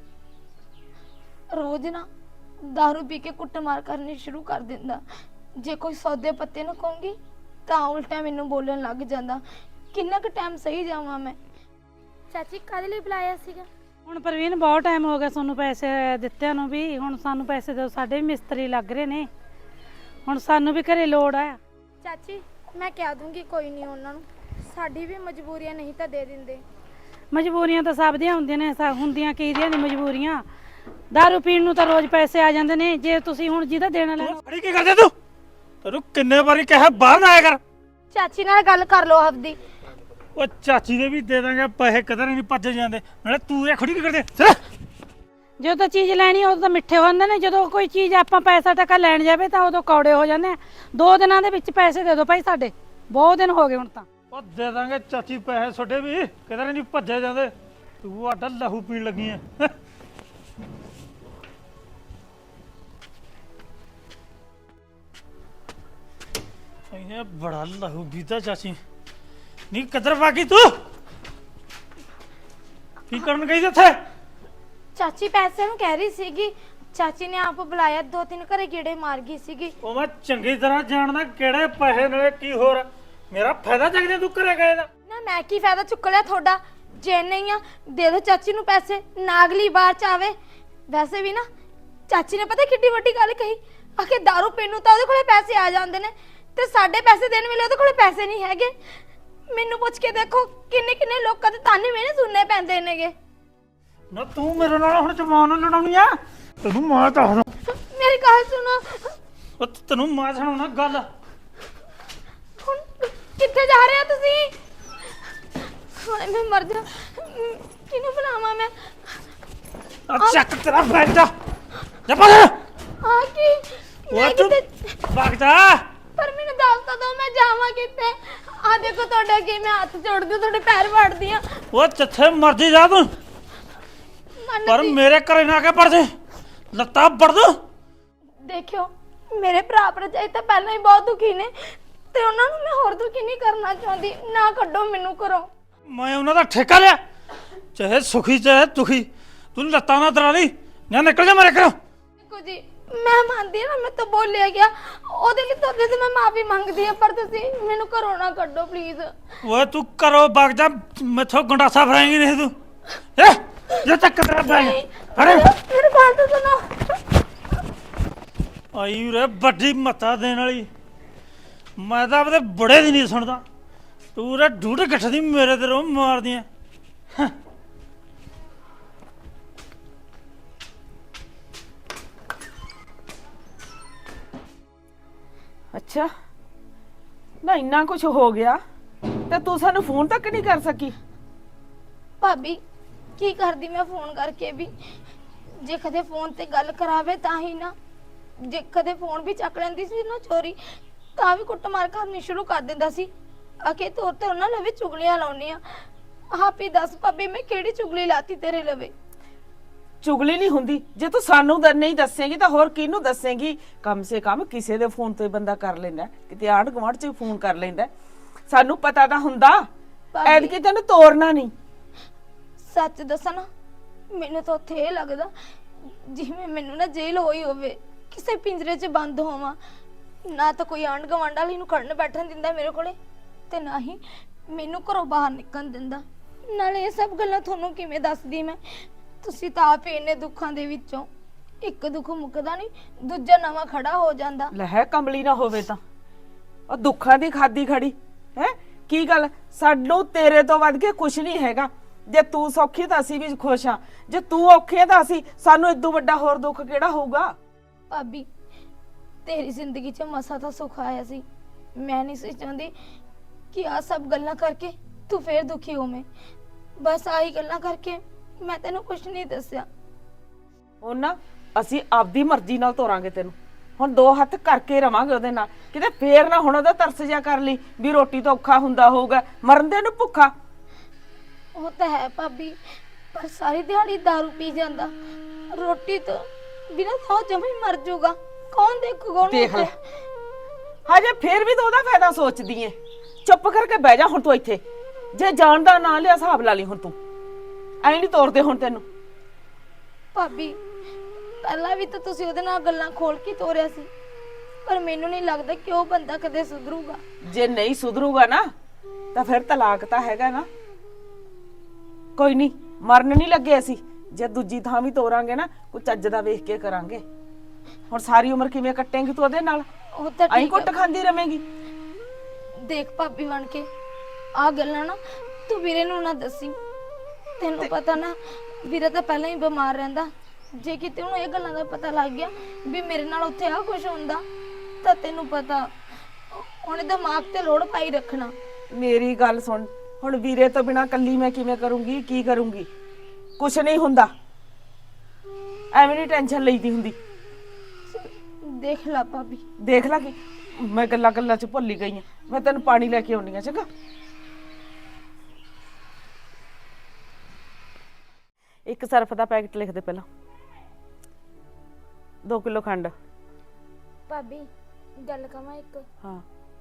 [SPEAKER 3] ਰੋਜ਼ ਨਾ दारू ਪੀ ਕੇ ਕੁੱਟਮਾਰ ਕਰਨੀ ਸ਼ੁਰੂ ਕਰ ਦਿੰਦਾ। ਜੇ ਕੋਈ ਸੌਦੇ ਪੱਤੇ ਨਾ ਕਹੂੰਗੀ ਤਾਂ ਉਲਟਾ ਮੈਨੂੰ ਬੋਲਣ ਲੱਗ ਜਾਂਦਾ। ਕਿੰਨਾ ਕੁ ਟਾਈਮ ਸਹੀ ਜਾਵਾਂ ਮੈਂ? ਚਾਚੀ ਕਾਹਦੇ ਲਈ ਬੁਲਾਇਆ ਸੀਗਾ?
[SPEAKER 4] ਹੁਣ ਪ੍ਰਵੀਨ ਬਹੁਤ ਟਾਈਮ ਹੋ ਗਿਆ ਤੁਹਾਨੂੰ ਪੈਸੇ ਦਿੱਤਿਆਂ ਨੂੰ ਵੀ, ਹੁਣ ਸਾਨੂੰ ਪੈਸੇ ਦਿਓ, ਸਾਡੇ ਵੀ ਮਿਸਤਰੀ ਲੱਗ ਰਹੇ ਨੇ, ਹੁਣ ਸਾਨੂੰ ਵੀ ਘਰੇ ਲੋੜ ਆ।
[SPEAKER 3] ਚਾਚੀ ਮੈਂ ਕਹਿ ਦੂੰਗੀ ਕੋਈ ਨਹੀਂ ਉਹਨਾਂ ਨੂੰ, ਸਾਡੀ ਵੀ ਮਜਬੂਰੀਆਂ ਨਹੀਂ ਤਾਂ ਦੇ ਦਿੰਦੇ।
[SPEAKER 4] ਮਜਬੂਰੀਆਂ ਤਾਂ ਸਭ ਦੀਆਂ ਹੁੰਦੀਆਂ ਨੇ, ਸਾ ਹੁੰਦੀਆਂ ਕਿਹਦੀਆਂ ਨੇ ਮਜਬੂਰੀਆਂ। ਦਾਰੂ ਪੀਣ ਨੂੰ ਤਾਂ ਰੋਜ਼ ਪੈਸੇ ਆ ਜਾਂਦੇ ਨੇ, ਜੇ ਤੁਸੀਂ ਹੁਣ ਜਿਹਦਾ ਦੇਣਾ ਲੈਣਾ।
[SPEAKER 5] ਅੜੀ ਕੀ ਕਰਦੇ ਤੂੰ? ਤੈਨੂੰ ਕਿੰਨੇ ਵਾਰੀ ਕਿਹਾ ਬਾਹਰ ਨਾ ਆਇਆ ਕਰ।
[SPEAKER 3] ਚਾਚੀ ਨਾਲ ਗੱਲ ਕਰ ਲਓ ਆਪਦੀ।
[SPEAKER 5] ਉਹ ਚਾਚੀ ਦੇ ਵੀ ਦੇ ਦਾਂਗੇ ਪੈਸੇ, ਕਦਰ ਨਹੀਂ ਭੱਜ ਜਾਂਦੇ। ਨਾਲੇ ਤੂੰ ਇਹ ਖੜੀ ਕੀ ਕਰਦੇ? ਚਲ
[SPEAKER 4] ਜਦੋਂ ਤਾਂ ਚੀਜ਼ ਲੈਣੀ ਉਦੋਂ ਤਾਂ ਮਿੱਠੇ ਹੁੰਦੇ ਨੇ, ਜਦੋਂ ਕੋਈ ਚੀਜ਼ ਆਪਾਂ ਪੈਸਾ ਟਕਾ ਲੈਣ ਜਾਵੇ ਤਾਂ ਉਦੋਂ ਕੌੜੇ ਹੋ ਜਾਂਦੇ ਆ। ਦੋ ਦਿਨਾਂ ਦੇ ਵਿੱਚ ਪੈਸੇ ਦੇ ਦਿਓ ਭਾਈ, ਸਾਡੇ ਬਹੁਤ ਦਿਨ ਹੋ ਗਏ ਹੁਣ ਤਾਂ।
[SPEAKER 5] ਉਹ ਦੇ ਦਾਂਗੇ ਚਾਚੀ ਪੈਸੇ ਛੋਡੇ ਵੀ, ਕਦਰ ਨਹੀਂ ਭੱਜੇ ਜਾਂਦੇ। ਤੂੰ ਆਡਾ ਲਹੂ ਪੀਣ ਲੱਗੀ ਐ। ਇਹ ਬੜਾ ਲਹੂ ਪੀਤਾ ਚਾਚੀ। ਨਹੀਂ ਕਦਰ ਬਾਕੀ ਤੂੰ ਕੀ ਕਰਨ ਗਈ ਉੱਥੇ?
[SPEAKER 3] ਚਾਚੀ ਪੈਸੇ ਨੂੰ ਕਹਿ ਰਹੀ ਸੀਗੀ, ਚਾਚੀ ਨੇ ਆਪ ਬੁਲਾਇਆ, ਦੋ ਤਿੰਨ ਘਰੇ ਗੇੜੇ ਮਾਰ ਗਈ ਸੀਗੀ।
[SPEAKER 5] ਉਹ ਮੈਂ ਚੰਗੀ ਤਰ੍ਹਾਂ ਜਾਣਦਾ ਕਿਹੜੇ ਪੈਸੇ ਨਾਲੇ ਕੀ ਹੋਰ ਮੇਰਾ ਫਾਇਦਾ ਚੱਕਦੇ ਤੂੰ ਘਰੇ ਗਏ ਦਾ।
[SPEAKER 3] ਨਾ ਮੈਂ ਕੀ ਫਾਇਦਾ ਚੁੱਕ ਲਿਆ ਤੁਹਾਡਾ? ਜੇ ਨਹੀਂ ਆ ਦੇ ਦੋ ਚਾਚੀ ਨੂੰ ਪੈਸੇ, ਨਾ ਅਗਲੀ ਵਾਰ ਚ ਆਵੇ। ਵੈਸੇ ਵੀ ਨਾ ਚਾਚੀ ਨੇ ਪਤਾ ਕਿੱਡੀ ਵੱਡੀ ਗੱਲ ਕਹੀ, ਆਖੇ दारू ਪੀਣ ਨੂੰ ਤਾਂ ਉਹਦੇ ਕੋਲੇ ਪੈਸੇ ਆ ਜਾਂਦੇ ਨੇ ਤੇ ਸਾਡੇ ਪੈਸੇ ਦੇਣ ਵੇਲੇ ਉਹਦੇ ਕੋਲੇ ਪੈਸੇ ਨਹੀਂ ਹੈਗੇ। ਮੈਨੂੰ ਪੁੱਛ ਕੇ ਦੇਖੋ ਕਿੰਨੇ ਕਿੰਨੇ ਲੋਕਾਂ ਦੇ ਤਾਨੇ ਮੈਨੇ ਸੁਣਨੇ ਪੈਂਦੇ ਨੇਗੇ।
[SPEAKER 5] ਨਾ ਤੂੰ ਮੇਰੇ ਨਾਲ ਹੁਣ ਜਮਾਨ ਨੂੰ ਲੜਾਉਣੀ ਆ? ਤੈਨੂੰ ਮਾਂ ਦੱਸਦਾ।
[SPEAKER 3] ਮੇਰੀ ਗੱਲ ਸੁਣੋ।
[SPEAKER 5] ਉਹ ਤੈਨੂੰ ਮਾਂ ਸੁਣਾਉਣਾ ਗੱਲ।
[SPEAKER 3] ਹੁਣ ਕਿੱਥੇ ਜਾ ਰਹੇ ਹੋ ਤੁਸੀਂ? ਹਾਏ ਮੈਂ ਮਰ ਜਾ। ਕਿਹਨੂੰ ਬੁਲਾਵਾਂ ਮੈਂ?
[SPEAKER 5] ਆ ਚੱਕ ਤੇਰਾ ਬੈਠ ਜਾ ਜਾ ਪਾ
[SPEAKER 3] ਆ ਕੀ?
[SPEAKER 5] ਉਹ
[SPEAKER 3] ਮੈਂ
[SPEAKER 5] ਤੂੰ
[SPEAKER 3] ਕਿਤੇ
[SPEAKER 5] ਭਾਗ ਜਾ।
[SPEAKER 3] ਪਰ ਮੈਨੂੰ ਦੱਸ ਤਾਂ ਦਿਓ ਮੈਂ ਜਾਵਾਂ ਕਿੱਥੇ? ਆ ਦੇਖੋ ਤੁਹਾਡੇ ਅੱਗੇ ਮੈਂ ਹੱਥ ਜੋੜਦੀ ਹਾਂ, ਤੁਹਾਡੇ ਪੈਰ ਵੜਦੀ ਆ।
[SPEAKER 5] ਉਹ ਜਿੱਥੇ ਮਰਜੀ ਜਾ ਤੂੰ, ਪਰ ਮੇਰੇ ਘਰੇ ਨਾ ਆ ਕੇ ਪੜ ਜੇ, ਲੱਤਾਂ ਵੜ ਦੂੰ।
[SPEAKER 3] ਦੇਖਿਓ ਮੇਰੇ ਭਰਾ ਭਰਜਾਈ ਤਾਂ ਪਹਿਲਾਂ ਹੀ ਬਹੁਤ ਦੁਖੀ ਨੇ ਤੇ ਉਹਨਾਂ ਨੂੰ ਮੈਂ ਹੋਰ ਦੁਖੀ ਨਹੀਂ ਕਰਨਾ ਚਾਹੁੰਦੀ। ਨਾ ਕੱਢੋ ਮੈਨੂੰ ਘਰੋਂ।
[SPEAKER 5] ਮੈਂ ਉਹਨਾਂ ਦਾ ਠੇਕਾ ਲਿਆ, ਚਾਹੇ ਸੁਖੀ ਚਾਹੇ ਦੁਖੀ। ਤੂੰ ਲੱਤਾਂ ਨਾ ਦਰਾ ਲਈ ਜਾਂ ਨਿਕਲ ਜਾ ਮੇਰੇ ਘਰੋਂ।
[SPEAKER 3] ਦੇਖੋ ਜੀ ਮੈਂ ਮੰਨਦੀ ਹਾਂ ਨਾ ਮੈਂ ਤਾਂ ਬੋਲਿਆ ਗਿਆ, ਉਹਦੇ ਲਈ ਤੁਹਾਡੇ ਤੋਂ ਮੈਂ ਮਾਫੀ ਮੰਗਦੀ ਹਾਂ, ਪਰ ਤੁਸੀਂ ਮੈਨੂੰ ਘਰੋਂ ਨਾ ਕੱਢੋ ਪਲੀਜ਼।
[SPEAKER 5] ਓਏ ਤੂੰ ਕਰੋ ਵਗ ਜਾ, ਮੈਥੋਂ ਗੰਡਾਸਾ ਫਰਾਏਂਗੀ ਨਹੀਂ ਤੂੰ। ਏ ਜੇ ਤੱਕ ਤੇਰਾ ਬੈਗ ਅਰੇ
[SPEAKER 3] ਮੇਰੇ ਗੱਲ ਤਾਂ ਸੁਣੋ।
[SPEAKER 5] ਆਈ ਰੇ ਵੱਡੀ ਮੱਤਾ ਦੇਣ ਵਾਲੀ। ਮੈਂ ਤਾਂ ਆਪਦੇ ਬੜੇ ਦੀ ਨਹੀਂ ਸੁਣਦਾ, ਤੂੰ ਰੇ ਡੂਢ ਗੱਠ ਦੀ ਮੇਰੇ ਤੇ ਰੋ ਮਾਰਦੀ ਐ।
[SPEAKER 1] ਅੱਛਾ ਨਾ ਇੰਨਾ ਕੁਝ ਹੋ ਗਿਆ ਤੇ ਤੂੰ ਸਾਨੂੰ ਫੋਨ ਤੱਕ ਨਹੀਂ ਕਰ ਸਕੀ?
[SPEAKER 3] ਭਾਬੀ ਕੀ ਕਰਦੀ ਮੈਂ ਫੋਨ ਕਰਕੇ ਵੀ? ਜੇ ਕਦੇ ਫੋਨ ਤੇ ਗੱਲ ਕਰਾਵੇ ਤਾਂ ਹੀ ਨਾ, ਜੇ ਕਦੇ ਫੋਨ ਵੀ ਚੱਕ ਲੈਂਦੀ ਸੀ ਨਾ ਚੋਰੀ ਤਾਂ ਵੀ ਕੁੱਟਮਾਰ ਕਰਨੀ ਸ਼ੁਰੂ ਕਰ ਦਿੰਦਾ ਸੀ। ਅਕੇ ਤੋਰ ਤੇ ਉਹਨਾਂ ਲਵੇ ਚੁਗਲੀਆਂ ਲਾਉਣੀ ਆ। ਆਪ ਹੀ ਦੱਸ ਭਾਬੀ ਮੈਂ ਕਿਹੜੀ ਚੁਗਲੀ ਲਾਤੀ ਤੇਰੇ ਲਵੇ?
[SPEAKER 1] ਚੁਗਲੀ ਨਹੀਂ ਹੁੰਦੀ, ਜੇ ਤੂੰ ਸਾਨੂੰ ਦ- ਨਹੀਂ ਦੱਸੇਂਗੀ ਤਾਂ ਹੋਰ ਕਿਹਨੂੰ ਦੱਸੇਂਗੀ? ਕਮ ਸੇ ਕਮ ਕਿਸੇ ਦੇ ਫੋਨ ਤੋਂ ਹੀ ਬੰਦਾ ਕਰ ਲੈਂਦਾ, ਕਿਤੇ ਆਂਢ ਗੁਆਂਢ 'ਚ ਫੋਨ ਕਰ ਲੈਂਦਾ। ਸਾਨੂੰ ਪਤਾ ਤਾਂ ਹੁੰਦਾ,
[SPEAKER 3] ਭਾਬੀ।
[SPEAKER 1] ਐਤਕੀ ਤੈਨੂੰ ਤੋਰਨਾ ਨਹੀਂ।
[SPEAKER 3] ਸੱਚ ਦੱਸਾਂ ਨਾ ਮੈਨੂੰ ਤਾਂ ਉੱਥੇ ਇਹ ਲੱਗਦਾ ਜਿਵੇਂ ਮੈਨੂੰ ਨਾ ਜੇਲ੍ਹ ਹੋਈ ਹੋਵੇ, ਕਿਸੇ ਪਿੰਜਰੇ 'ਚ ਬੰਦ ਹੋਵਾਂ। ਨਾ ਤਾਂ ਕੋਈ ਆਂਢ ਗੁਆਂਢ ਵਾਲੀ ਨੂੰ ਖੜਨ ਬੈਠਣ ਦਿੰਦਾ ਮੇਰੇ ਕੋਲੇ, ਤੇ ਨਾ ਹੀ ਮੈਨੂੰ ਘਰੋਂ ਬਾਹਰ ਨਿਕਲਣ ਦਿੰਦਾ। ਨਾਲੇ ਇਹ ਸਭ ਗੱਲਾਂ ਤੁਹਾਨੂੰ ਕਿਵੇਂ ਦੱਸਦੀ ਮੈਂ? ਤੁਸੀਂ ਤਾਂ ਆਪ ਹੀ ਇੰਨੇ ਦੁੱਖਾਂ ਦੇ ਵਿੱਚੋਂ, ਇੱਕ ਦੁੱਖ ਮੁੱਕਦਾ ਨਹੀਂ ਦੂਜਾ ਨਵਾਂ ਖੜਾ ਹੋ ਜਾਂਦਾ।
[SPEAKER 1] ਲੈ ਕਮਲੀ ਨਾ ਹੋਵੇ ਤਾਂ ਉਹ ਦੁੱਖਾਂ ਦੀ ਖਾਦੀ ਖੜੀ ਹੈ। ਕੀ ਗੱਲ, ਸਾਨੂੰ ਤੇਰੇ ਤੋਂ ਵੱਧ ਕੇ ਕੁਛ ਨਹੀਂ ਹੈਗਾ। ਜੇ ਤੂੰ ਸੌਖੀ ਤਾਂ ਅਸੀਂ ਵੀ ਖੁਸ਼ ਆ, ਜੇ ਤੂੰ ਔਖੀ ਆ ਤਾਂ ਅਸੀਂ, ਸਾਨੂੰ ਇਦੋਂ ਵੱਡਾ ਹੋਰ ਦੁੱਖ ਕਿਹੜਾ ਹੋਊਗਾ?
[SPEAKER 3] ਭਾਬੀ ਤੇਰੀ ਜ਼ਿੰਦਗੀ 'ਚ ਮਸਾ ਤਾਂ ਸੁੱਖ ਆਇਆ ਸੀ। ਮੈਂ ਨਹੀਂ ਸੀ ਚਾਹੁੰਦੀ ਕਿ ਆ ਸਭ ਗੱਲਾਂ ਕਰਕੇ ਤੂੰ ਫੇਰ ਦੁਖੀ ਹੋਵੇਂ। ਬਸ ਆਹੀ ਗੱਲਾਂ ਕਰਕੇ ਮੈਂ ਤੈਨੂੰ ਕੁਝ ਨਹੀਂ ਦੱਸਿਆ।
[SPEAKER 1] ਉਹਨਾਂ ਅਸੀਂ ਆਪਦੀ ਮਰਜ਼ੀ ਨਾਲ ਤੋਰਾਂਗੇ ਤੈਨੂੰ। ਹੁਣ ਦੋ ਹੱਥ ਕਰਕੇ ਰਵਾਂਗੇ ਉਹਦੇ ਨਾਲ, ਕਿਤੇ ਫੇਰ ਨਾ ਹੁਣ ਉਹਦਾ ਤਰਸ ਜਾ ਕਰ ਲਈ ਵੀ ਰੋਟੀ ਤੋਂ ਔਖਾ ਹੁੰਦਾ ਹੋਊਗਾ, ਮਰਨ ਦੇ ਨੂੰ ਭੁੱਖਾ।
[SPEAKER 3] ਉਹ ਤਾਂ ਹੈ ਭਾਬੀ, ਪਰ ਸਾਰੀ ਦਿਹਾੜੀ दारू ਪੀ ਜਾਂਦਾ, ਰੋਟੀ ਤੋਂ ਬਿਨਾਂ ਤਾਂ ਜਮੇ ਹੀ ਮਰ ਜਾਊਗਾ। ਕੌਣ ਦੇਖੂਗਾ ਉਹਨੂੰ?
[SPEAKER 1] ਦੇਖ ਲੈ ਹਜੇ ਫੇਰ ਵੀ ਤੂੰ ਉਹਦਾ ਫਾਇਦਾ ਸੋਚਦੀ ਏ। ਚੁੱਪ ਕਰਕੇ ਬਹਿ ਜਾ ਹੁਣ ਤੂੰ ਇੱਥੇ, ਜੇ ਜਾਣ ਦਾ ਨਾਂ ਲਿਆ ਹਿਸਾਬ ਲਾ ਲਈ ਹੁਣ ਤੂੰ ਐਂ ਨਹੀਂ ਤੋਰਦੇ ਹੁਣ ਤੈਨੂੰ।
[SPEAKER 3] ਭਾਬੀ ਪਹਿਲਾਂ ਵੀ ਤਾਂ ਤੁਸੀਂ ਉਹਦੇ ਨਾਲ ਗੱਲਾਂ ਖੋਲ ਕੇ ਤੋਰਿਆ ਸੀ, ਪਰ ਮੈਨੂੰ ਨਹੀਂ ਲੱਗਦਾ ਕਿ ਉਹ ਬੰਦਾ ਕਦੇ ਸੁਧਰੂਗਾ।
[SPEAKER 1] ਜੇ ਨਹੀਂ ਸੁਧਰੂਗਾ ਨਾ ਤਾਂ ਫਿਰ ਤਲਾਕ ਤਾਂ ਹੈਗਾ ਨਾ। ਕੋਈ ਨਹੀਂ, ਮਰਨ ਨਹੀਂ ਲੱਗੇ ਅਸੀਂ। ਜੇ ਦੂਜੀ ਥਾਂ ਵੀ ਤੋਰਾਂਗੇ ਨਾ ਕੋਈ ਚੱਜ ਦਾ ਵੇਖ ਕੇ ਕਰਾਂਗੇ। ਹੁਣ ਸਾਰੀ ਉਮਰ ਕਿਵੇਂ ਕੱਟੇਂਗੀ ਤੂੰ ਉਹਦੇ ਨਾਲ?
[SPEAKER 3] ਉਹ ਤਾਂ
[SPEAKER 1] ਐਂ
[SPEAKER 3] ਠੀਕ
[SPEAKER 1] ਕੁੱਟ
[SPEAKER 3] ਆ।
[SPEAKER 1] ਖਾਂਦੀ ਰਵੇਂਗੀ।
[SPEAKER 3] ਦੇਖ ਭਾਬੀ ਬਣ ਕੇ ਆ ਗੱਲਾਂ ਨਾ ਤੂੰ ਵੀਰੇ ਨੂੰ ਨਾ ਦੱਸੀ। ਤੈਨੂੰ ਪਤਾ ਨਾ ਵੀਰਾ ਤਾਂ ਪਹਿਲਾਂ ਹੀ ਬਿਮਾਰ ਰਹਿੰਦਾ। ਜੇ ਕਿਤੇ ਉਹਨੂੰ ਇਹ ਗੱਲਾਂ ਦਾ ਪਤਾ ਲੱਗ ਗਿਆ ਵੀ ਮੇਰੇ ਨਾਲ ਉੱਥੇ ਆ ਕੁਝ ਹੁੰਦਾ ਤਾਂ ਤੈਨੂੰ ਪਤਾ ਉਹਨੇ ਦਿਮਾਗ ਤੇ ਲੋੜ ਪਾਈ ਰੱਖਣਾ।
[SPEAKER 1] ਮੇਰੀ ਗੱਲ ਸੁਣ, ਹੁਣ ਵੀਰੇ ਤੋਂ ਬਿਨਾ ਕੱਲੀ ਮੈਂ ਕਿਵੇਂ ਕਰੂੰਗੀ? ਕੀ ਕਰੂੰਗੀ? ਕੁਛ ਨਹੀਂ ਹੁੰਦਾ, ਐਵੇਂ ਨਹੀਂ ਟੈਨਸ਼ਨ ਲਈਦੀ ਹੁੰਦੀ।
[SPEAKER 3] ਦੇਖ ਲਾ ਭਾਬੀ।
[SPEAKER 1] ਦੇਖ ਲਾ ਕਿ ਮੈਂ ਗੱਲਾਂ ਗੱਲਾਂ ਚ ਭੁੱਲ ਹੀ ਗਈ ਆ। ਮੈਂ ਤੈਨੂੰ ਪਾਣੀ ਲੈ ਕੇ ਆਉਣੀ ਆ, ਚੰਗਾ? ਇੱਕ ਸਰਫ ਦਾ ਪੈਕਟ ਲਿਖ ਦੇ ਪਹਿਲਾਂ। ਦੋ ਕਿਲੋ ਖੰਡ।
[SPEAKER 3] ਭਾਬੀ ਗੱਲ ਕਵਾਂ ਇੱਕ?
[SPEAKER 1] ਹਾਂ,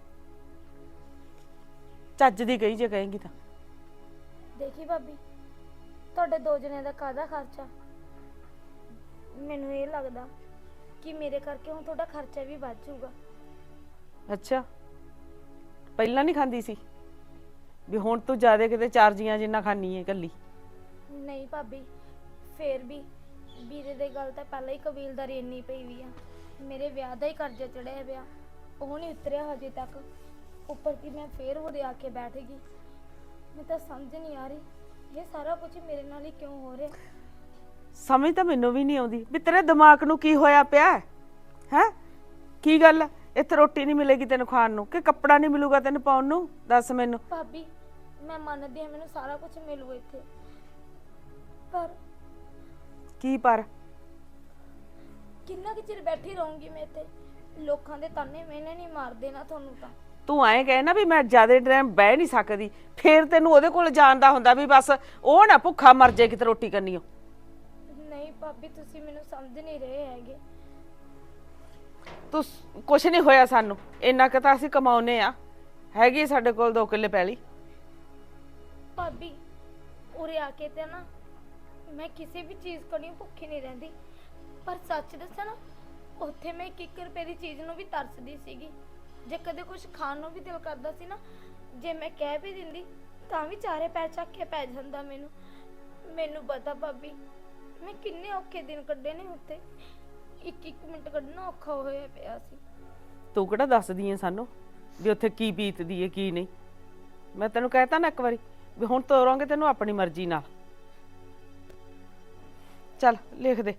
[SPEAKER 1] ਚੱਜ ਦੀ ਗਈ ਜੇ ਕਹੇਂਗੀ ਤਾਂ।
[SPEAKER 3] ਦੇਖੀ ਭਾਬੀ ਤੁਹਾਡੇ ਦੋ ਜਣੇ ਦਾ ਕਾਹਦਾ ਖਰਚਾ? ਮੈਨੂੰ ਇਹ ਲੱਗਦਾ ਕਿ ਮੇਰੇ ਕਰਕੇ ਹੁਣ ਤੁਹਾਡਾ ਖਰਚਾ ਵੀ ਵੱਧ ਜਾਊਗਾ।
[SPEAKER 1] ਅੱਛਾ, ਪਹਿਲਾਂ ਨਹੀਂ ਖਾਂਦੀ ਸੀ ਵੀ ਹੁਣ ਤੂੰ ਜ਼ਿਆਦਾ ਕਿਤੇ ਚਾਰ ਜੀਆਂ ਜਿੰਨਾ ਖਾਣੀ ਹੈ ਇਕੱਲੀ?
[SPEAKER 3] ਨਹੀਂ ਭਾਬੀ, ਫੇਰ ਵੀ ਵੀਰੇ ਦੇ ਗੱਲ ਤਾਂ ਪਹਿਲਾਂ ਹੀ ਕਬੀਲਦਾਰੀ ਇੰਨੀ ਪਈ ਵੀ ਆ। ਮੇਰੇ ਵਿਆਹ ਦਾ ਹੀ ਕਰਜ਼ਾ ਚੜਿਆ ਪਿਆ, ਉਹ ਨਹੀਂ ਉਤਰਿਆ ਹਜੇ ਤੱਕ। ਉੱਪਰ ਕੀ ਮੈਂ ਫੇਰ ਉਹਦੇ ਆ ਕੇ ਬੈਠ ਗਈ। ਮੈਨੂੰ ਤਾਂ ਸਮਝ ਨਹੀਂ ਆ ਰਹੀ ਇਹ ਸਾਰਾ ਕੁਝ ਮੇਰੇ ਨਾਲ ਹੀ ਕਿਉਂ ਹੋ ਰਿਹਾ।
[SPEAKER 1] ਸਮਝ ਤਾਂ ਮੈਨੂੰ ਵੀ ਨਹੀਂ ਆਉਂਦੀ ਵੀ ਤੇਰੇ ਦਿਮਾਗ ਨੂੰ ਕੀ ਹੋਇਆ ਪਿਆ ਹੈ। ਕੀ ਗੱਲ ਹੈ? ਇੱਥੇ ਰੋਟੀ ਨਹੀਂ ਮਿਲੇਗੀ ਤੈਨੂੰ ਖਾਣ ਨੂੰ, ਕਿ ਕੱਪੜਾ ਨਹੀਂ ਮਿਲੂਗਾ ਤੈਨੂੰ ਪਾਉਣ ਨੂੰ? ਦੱਸ ਮੈਨੂੰ।
[SPEAKER 3] ਭਾਬੀ ਮੈਂ ਮੰਨਦੀ ਹਾਂ ਮੈਨੂੰ ਸਾਰਾ ਕੁਝ ਮਿਲੂ ਇੱਥੇ, ਪਰ
[SPEAKER 1] ਕੀ ਪਰ?
[SPEAKER 3] ਕਿੰਨਾ ਕੁ ਚਿਰ ਬੈਠੀ ਰਹੂੰਗੀ ਮੈਂ ਇੱਥੇ? ਲੋਕਾਂ ਦੇ ਤਾਨੇ ਮੈਨੇ ਨਹੀਂ ਮਾਰਦੇ ਨਾ ਤੁਹਾਨੂੰ ਤਾਂ।
[SPEAKER 1] ਤੂੰ ਐਂ ਕਹੇ ਨਾ ਵੀ ਮੈਂ ਜ਼ਿਆਦਾ ਟਾਈਮ ਬਹਿ ਨਹੀਂ ਸਕਦੀ, ਫੇਰ ਤੈਨੂੰ ਉਹਦੇ ਕੋਲ ਜਾਣ ਦਾ ਹੁੰਦਾ ਵੀ ਬਸ ਉਹ ਨਾ ਭੁੱਖਾ ਮਰ ਜਾਏ ਕਿਤੇ ਰੋਟੀ ਕਰਨੀ।
[SPEAKER 3] ਨਹੀਂ ਭਾਬੀ ਤੁਸੀਂ ਮੈਨੂੰ ਸਮਝ ਨਹੀਂ ਰਹੇ ਹੈਗੇ।
[SPEAKER 1] ਤੂੰ ਕੁਛ ਨਹੀਂ ਹੋਇਆ ਸਾਨੂੰ, ਇੰਨਾ ਕੁ ਤਾਂ ਅਸੀਂ ਕਮਾਉਨੇ ਆ। ਹੈਗੀ ਸਾਡੇ ਕੋਲ ਦੋ ਕਿੱਲੇ ਪੈਲੀ।
[SPEAKER 3] ਭਾਬੀ ਉਰੇ ਆ ਕੇ ਤੇ ਨਾ ਮੈਂ ਕਿਸੇ ਵੀ ਚੀਜ਼ ਕੋਲੋਂ ਭੁੱਖੀ ਨਹੀਂ ਰਹਿੰਦੀ, ਪਰ ਸੱਚ ਦੱਸਾਂ ਨਾ ਉੱਥੇ ਮੈਂ ਇੱਕ ਇੱਕ ਰੁਪਏ ਦੀ ਚੀਜ਼ ਨੂੰ ਵੀ ਤਰਸਦੀ ਸੀਗੀ। ਜੇ ਕਦੇ ਕੁਝ ਖਾਣ ਨੂੰ ਵੀ ਦਿਲ ਕਰਦਾ ਸੀ ਨਾ, ਜੇ ਮੈਂ ਕਹਿ ਵੀ ਦਿੰਦੀ ਤਾਂ ਵੀ ਚਾਰੇ ਪੈਰ ਚੱਕ ਕੇ ਪੈ ਜਾਂਦਾ ਮੈਨੂੰ। ਮੈਨੂੰ ਪਤਾ ਭਾਬੀ ਮੈਂ ਕਿੰਨੇ ਔਖੇ ਦਿਨ ਕੱਢੇ ਨੇ ਉੱਥੇ, ਇੱਕ ਇੱਕ ਮਿੰਟ ਕੱਢਣਾ ਔਖਾ ਹੋਇਆ ਪਿਆ ਸੀ।
[SPEAKER 1] ਤੂੰ ਕਿਹੜਾ ਦੱਸਦੀ ਐ ਸਾਨੂੰ ਵੀ ਉੱਥੇ ਕੀ ਬੀਤਦੀ ਐ ਕੀ ਨਹੀਂ? ਮੈਂ ਤੈਨੂੰ ਕਹਿਤਾ ਨਾ ਇੱਕ ਵਾਰੀ ਵੀ ਹੁਣ ਤੋਰਾਂਗੇ ਤੈਨੂੰ ਆਪਣੀ ਮਰਜ਼ੀ ਨਾਲ। ਚੱਲ ਲਿਖ ਦੇ,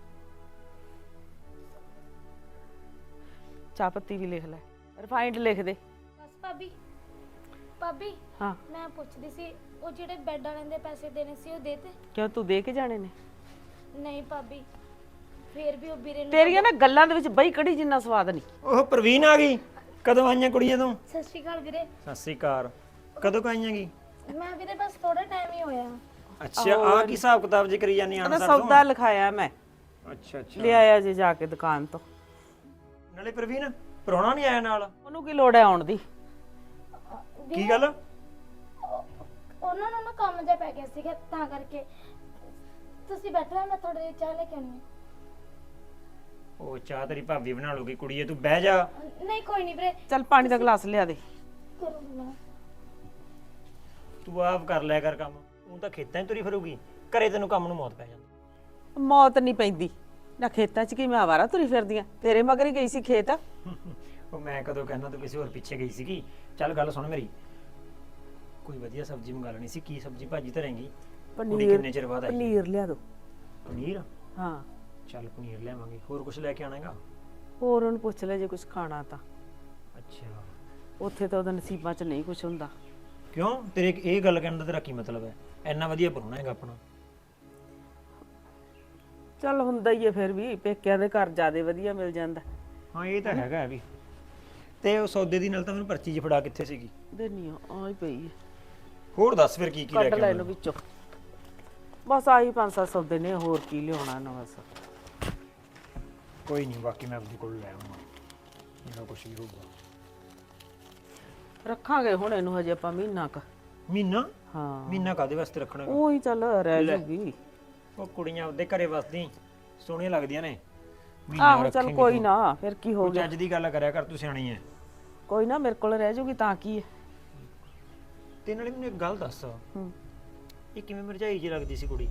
[SPEAKER 1] ਚਾਹ ਪੱਤੀ ਵੀ ਲਿਖ ਲੈ, ਰਿਫਾਈਂਡ ਲਿਖ ਦੇ।
[SPEAKER 3] ਬਸ ਭਾਬੀ। ਭਾਬੀ
[SPEAKER 1] ਹਾਂ,
[SPEAKER 3] ਮੈਂ ਪੁੱਛਦੀ ਸੀ ਉਹ ਜਿਹੜੇ ਬੈੱਡ ਵਾਲਿਆਂ ਦੇ ਪੈਸੇ ਦੇਣੇ ਸੀ ਉਹ ਦੇਤੇ?
[SPEAKER 1] ਕਿਉਂ ਤੂੰ ਦੇ ਕੇ ਜਾਣੇ ਨੇ?
[SPEAKER 3] ਨਹੀਂ ਭਾਬੀ, ਫੇਰ ਵੀ ਉਹ ਵੀਰੇ ਨੂੰ
[SPEAKER 1] ਤੇਰੀਆਂ ਨਾ ਗੱਲਾਂ ਦੇ ਵਿੱਚ ਬਈ ਕੜੀ ਜਿੰਨਾ ਸਵਾਦ ਨਹੀਂ।
[SPEAKER 2] ਉਹ ਪ੍ਰਵੀਨ ਆ ਗਈ? ਕਦੋਂ ਆਈਆਂ ਕੁੜੀਆਂ ਤੂੰ?
[SPEAKER 3] ਸਤਿ ਸ਼੍ਰੀ ਅਕਾਲ ਵੀਰੇ।
[SPEAKER 2] ਸਤਿ ਸ੍ਰੀ ਅਕਾਲ। ਕਦੋਂ ਕ ਆਈਆਂ ਗੀ?
[SPEAKER 3] ਮੈਂ ਵੀਰੇ ਬਸ ਥੋੜਾ ਟਾਈਮ ਹੀ ਹੋਇਆ।
[SPEAKER 2] ਅੱਛਾ, ਆ ਕੀ ਹਿਸਾਬ ਕਿਤਾਬ ਜੀ ਕਰੀ ਜਾਂਦੀ ਆਣ
[SPEAKER 1] ਉਹਦਾ
[SPEAKER 2] ਸਰ
[SPEAKER 1] ਸੌਦਾ ਲਿਖਾਇਆ ਮੈਂ,
[SPEAKER 2] ਅੱਛਾ ਅੱਛਾ।
[SPEAKER 1] ਲੈ ਆਇਆ ਜੇ ਜਾ ਕੇ ਦੁਕਾਨ ਤੋਂ।
[SPEAKER 2] ਨਾਲੇ ਪ੍ਰਵੀਨ ਪ੍ਰਾਹੁਣਾ ਨਹੀਂ ਆਇਆ ਨਾਲ?
[SPEAKER 1] ਉਹਨੂੰ ਕੀ ਲੋੜ ਹੈ ਆਉਣ ਦੀ?
[SPEAKER 2] ਕੀ ਗੱਲ?
[SPEAKER 3] ਉਹਨਾਂ ਨੂੰ ਨਾ ਕੰਮ ਜਿਹਾ ਪੈ ਗਿਆ ਸੀਗਾ ਤਾਂ ਕਰਕੇ। ਤੁਸੀਂ ਬੈਠੋ, ਮੈਂ ਥੋੜੀ ਜਿਹੀ ਚਾਹ ਲੈ ਕੇ ਆਉਣੀ
[SPEAKER 2] ਉਹ ਚਾਹ ਤੇਰੀ ਭਾਬੀ ਬਣਾ ਲੂਗੀ ਕੁੜੀਏ, ਤੂੰ ਬਹਿ ਜਾ।
[SPEAKER 3] ਹੈ। ਨਹੀਂ ਕੋਈ ਨਹੀਂ ਵੀਰੇ,
[SPEAKER 1] ਚੱਲ ਪਾਣੀ ਦਾ ਗਲਾਸ ਲਿਆ ਦੇ।
[SPEAKER 3] ਕਰੋ ਮੈਂ।
[SPEAKER 2] ਤੂੰ ਆਪ ਕਰ ਲਿਆ ਕਰ ਕੰਮ, ਤੂੰ ਤਾਂ ਖੇਤਾਂ 'ਚ ਤੁਰੀ ਫਿਰੂਗੀ, ਘਰੇ ਤੈਨੂੰ ਕੰਮ ਨੂੰ ਮੌਤ ਪੈ ਜਾਂਦੀ।
[SPEAKER 1] ਮੌਤ ਨਹੀਂ ਪੈਂਦੀ ਨਾ ਖੇਤਾਂ 'ਚ, ਕੀ ਮੈਂ ਆਵਾਰਾ ਤੁਰੀ ਫਿਰਦੀ ਆਂ? ਤੇਰੇ ਮਗਰ ਹੀ ਗਈ ਸੀ ਖੇਤ।
[SPEAKER 2] ਉਹ ਮੈਂ ਕਦੋਂ ਕਹਿਣਾ ਤੂੰ ਕਿਸੇ ਹੋਰ ਪਿੱਛੇ ਗਈ ਸੀਗੀ। ਚੱਲ ਗੱਲ ਸੁਣ ਮੇਰੀ, ਕੋਈ ਵਧੀਆ ਸਬਜ਼ੀ ਮੰਗਾ ਲੈਣੀ ਸੀ। ਕੀ ਸਬਜ਼ੀ ਭਾਜੀ ਧਰੇਂਗੀ? ਕੁੜੀ ਕਿੰਨੇ ਚਿਰ ਬਾਅਦ ਆਈ?
[SPEAKER 1] ਪਨੀਰ ਲਿਆ ਦੋ।
[SPEAKER 2] ਪਨੀਰ?
[SPEAKER 1] ਹਾਂ,
[SPEAKER 2] ਚੱਲ ਪਨੀਰ ਲਿਆਵਾਂਗੇ। ਹੋਰ ਕੁਝ ਲੈ ਕੇ ਆਣਾਗਾ?
[SPEAKER 1] ਹੋਰ ਉਹਨੂੰ ਪੁੱਛ ਲੈ ਜੇ ਕੁਝ ਖਾਣਾ ਤਾਂ।
[SPEAKER 2] ਅੱਛਾ,
[SPEAKER 1] ਉੱਥੇ ਤਾਂ ਉਹਦੇ ਨਸੀਬਾਂ 'ਚ ਨਹੀਂ ਕੁਝ ਹੁੰਦਾ।
[SPEAKER 2] ਕਿਉਂ? ਤੇਰੇ ਇਹ ਗੱਲ ਕਹਿਣ ਦਾ ਤੇਰਾ ਕੀ ਮਤਲਬ ਹੈ? ਇੰਨਾ ਵਧੀਆ ਪ੍ਰਾਹੁਣਾ ਹੈਗਾ ਆਪਣਾ।
[SPEAKER 1] ਚੱਲ ਹੁੰਦਾ ਹੀ ਹੈ, ਫਿਰ ਵੀ ਪੇਕਿਆਂ ਦੇ ਘਰ ਜ਼ਿਆਦਾ ਵਧੀਆ ਮਿਲ ਜਾਂਦਾ।
[SPEAKER 2] ਹਾਂ ਇਹ ਤਾਂ ਹੈਗਾ ਵੀ। ਤੇ ਉਹ ਸੌਦੇ ਦੀ ਨਾਲ ਤਾਂ ਮੈਨੂੰ ਪਰਚੀ ਜਿਹੀ ਫੜਾ ਕਿੱਥੇ ਸੀਗੀ?
[SPEAKER 1] ਦੇਨੀ ਆ ਆਈ ਪਈ ਹੈ।
[SPEAKER 2] ਹੋਰ ਦੱਸ ਫਿਰ ਕੀ ਕੀ ਲੈ
[SPEAKER 1] ਕੱਢ
[SPEAKER 2] ਕੇ
[SPEAKER 1] ਲੈ
[SPEAKER 2] ਆਉਣਾ?
[SPEAKER 1] ਇਹਨੂੰ ਵਿੱਚੋਂ। ਬਸ ਆਹੀ ਪੰਜ ਸੱਤ ਸੌਦੇ ਨੇ, ਹੋਰ ਕੀ ਲਿਆਉਣਾ ਨਾ ਬਸ।
[SPEAKER 2] ਕੋਈ ਨਹੀਂ, ਬਾਕੀ ਮੈਂ ਆਪਦੇ ਕੋਲ ਲੈ ਆਉਂਗਾ ਜਿਹੜਾ ਕੁਝ ਵੀ ਹੋਊਗਾ।
[SPEAKER 1] ਰੱਖਾਂਗੇ ਹੁਣ ਇਹਨੂੰ ਹਜੇ ਆਪਾਂ ਮਹੀਨਾ ਕ।
[SPEAKER 2] ਮਹੀਨਾ
[SPEAKER 1] ਹਾਂ
[SPEAKER 2] ਮਹੀਨਾ ਕਾਦੇ ਵਾਸਤੇ ਰੱਖਣਾ ਗਾ?
[SPEAKER 1] ਉਹੀ ਚੱਲ ਰਹਿ
[SPEAKER 2] ਲੈ।
[SPEAKER 1] ਜੂਗੀ
[SPEAKER 2] ਉਹ ਕੁੜੀਆਂ ਆਪਦੇ ਘਰੇ ਵਸਦੀ ਸੋਹਣੀਆਂ ਲੱਗਦੀਆਂ ਨੇ ਮਹੀਨਾ
[SPEAKER 1] ਆਹੋ ਚੱਲ
[SPEAKER 2] ਰੱਖੇਂਗੀ
[SPEAKER 1] ਕੋਈ
[SPEAKER 2] ਤੂੰ।
[SPEAKER 1] ਨਾ ਫਿਰ ਕੀ ਹੋ
[SPEAKER 2] ਕੋਈ
[SPEAKER 1] ਗਿਆ
[SPEAKER 2] ਚੱਜ ਦੀ ਗੱਲ ਕਰਿਆ ਕਰ, ਤੂੰ ਸਿਆਣੀ ਐ।
[SPEAKER 1] ਕੋਈ ਨਾ ਮੇਰੇ ਕੋਲ ਰਹਿ ਜੂਗੀ ਤਾਂ ਕੀ ਹੈ
[SPEAKER 2] ਤੇ ਨਾਲੇ ਮੈਨੂੰ ਇੱਕ ਗੱਲ ਦੱਸ,
[SPEAKER 1] ਹੂੰ
[SPEAKER 2] ਇਹ ਕਿਵੇਂ ਮਰਜਾਈ ਜੀ ਲੱਗਦੀ ਸੀ ਕੁੜੀ?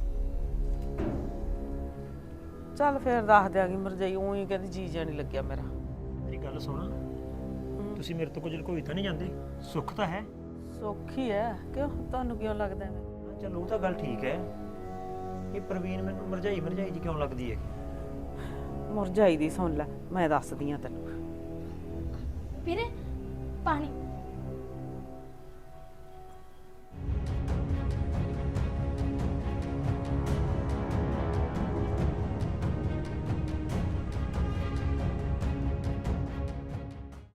[SPEAKER 1] ਚੱਲ ਫਿਰ ਦੱਸ ਦਿਆਂਗੀ ਮਰਜਾਈ ਉਹੀ ਕਹਿੰਦੀ ਜੀ ਜਾ ਨਹੀਂ ਲੱਗਿਆ ਮੇਰਾ
[SPEAKER 2] ਮੇਰੀ ਗੱਲ ਸੁਣ, ਤੁਸੀਂ ਮੇਰੇ ਤੋਂ ਕੁਝ ਲੁਕੋਈ ਤਾਂ ਨਹੀਂ ਜਾਂਦੇ? ਸੁੱਖ ਤਾਂ ਹੈ।
[SPEAKER 1] ਸੌਖੀ ਹੈ ਕਿਉਂ ਤੁਹਾਨੂੰ ਕਿਉਂ ਲੱਗਦਾ ਹੈ
[SPEAKER 2] ਹਾਂ, ਚੱਲ ਉਹ ਤਾਂ ਗੱਲ ਠੀਕ ਹੈ। ਇਹ ਪ੍ਰਵੀਨ ਮੈਨੂੰ ਮਰਜਾਈ ਮਰਜਾਈ ਜੀ ਕਿਉਂ ਲੱਗਦੀ ਹੈ?
[SPEAKER 1] ਮੁਰਝਾਈ ਦੀ ਸੁਣ ਲੈ ਮੈਂ ਦੱਸਦੀ ਆ ਤੈਨੂੰ
[SPEAKER 3] ਵੀਰੇ ਪਾਣੀ